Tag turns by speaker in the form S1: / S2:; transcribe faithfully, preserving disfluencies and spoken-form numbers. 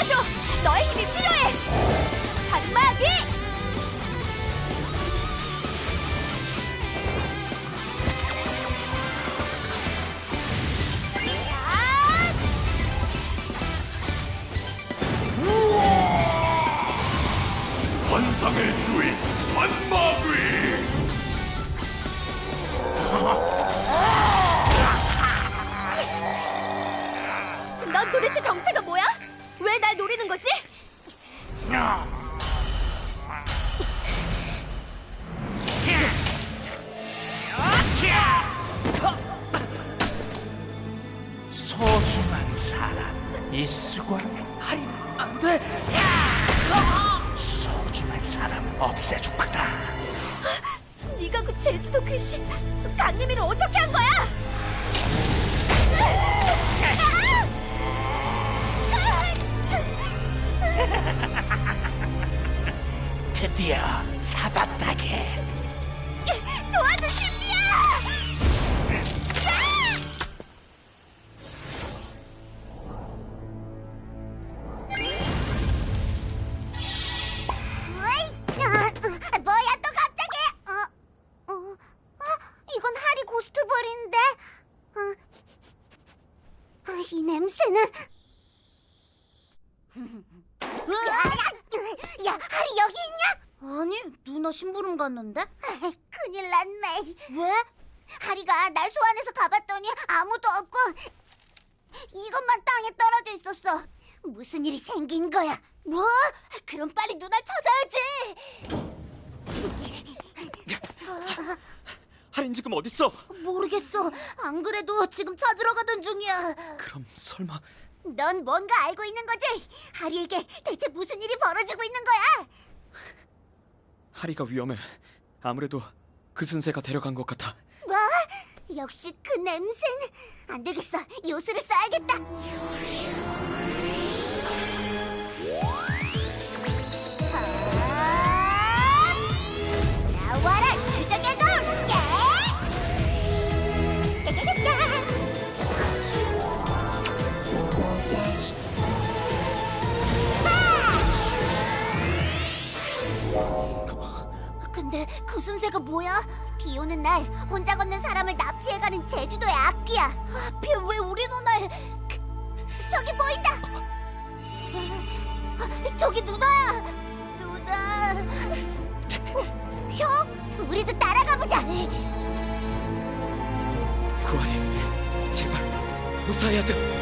S1: 도와줘! 너의 힘이 필요해! 한마디!
S2: 환상의 주인 환마귀.
S1: 넌 도대체 정체가 뭐야? 왜 날 노리는 거지?
S3: 소중한 사람 이수관.
S4: 하리, 안 돼!
S3: 소중한 사람 없애줄 거다.
S1: 네가 그 제주도 귀신 강림이를 어떻게 한 거야?
S3: 드디어 잡았다게.
S1: 도와줘, 신비야!
S5: 뭐야 또 갑자기? 어, 어, 어, 이건 하리 고스트볼인데. 어, 어, 이 냄새는. 야, 야, 하리 여기 있냐?
S1: 아니, 누나 심부름 갔는데?
S5: 큰일 났네.
S1: 왜?
S5: 하리가 날 소환해서 가봤더니 아무도 없고 이것만 땅에 떨어져 있었어. 무슨 일이 생긴 거야?
S1: 뭐? 그럼 빨리 누나를 찾아야지!
S4: 하린 지금 어딨어?
S1: 모르겠어. 안 그래도 지금 찾으러 가던 중이야.
S4: 그럼 설마
S5: 넌 뭔가 알고 있는 거지? 하리에게 대체 무슨 일이 벌어지고 있는 거야?
S4: 하리가 위험해. 아무래도 그 순세가 데려간 것 같아.
S5: 뭐? 역시 그 냄새는. 안 되겠어. 요술을 써야겠다. 아! 나와라 주작의 돌! 예! 짜자자자!
S1: 근데 그 순세가 뭐야?
S5: 비 오는 날 혼자 걷는 사람을 납치해가는 제주도의 악귀야.
S1: 하필 왜 우리 누나를...
S5: 저기 보인다.
S1: 아, 저기 누나야! 누나...
S5: 어, 형? 우리도 따라가 보자.
S4: 구하리, 제발 무사해야 돼.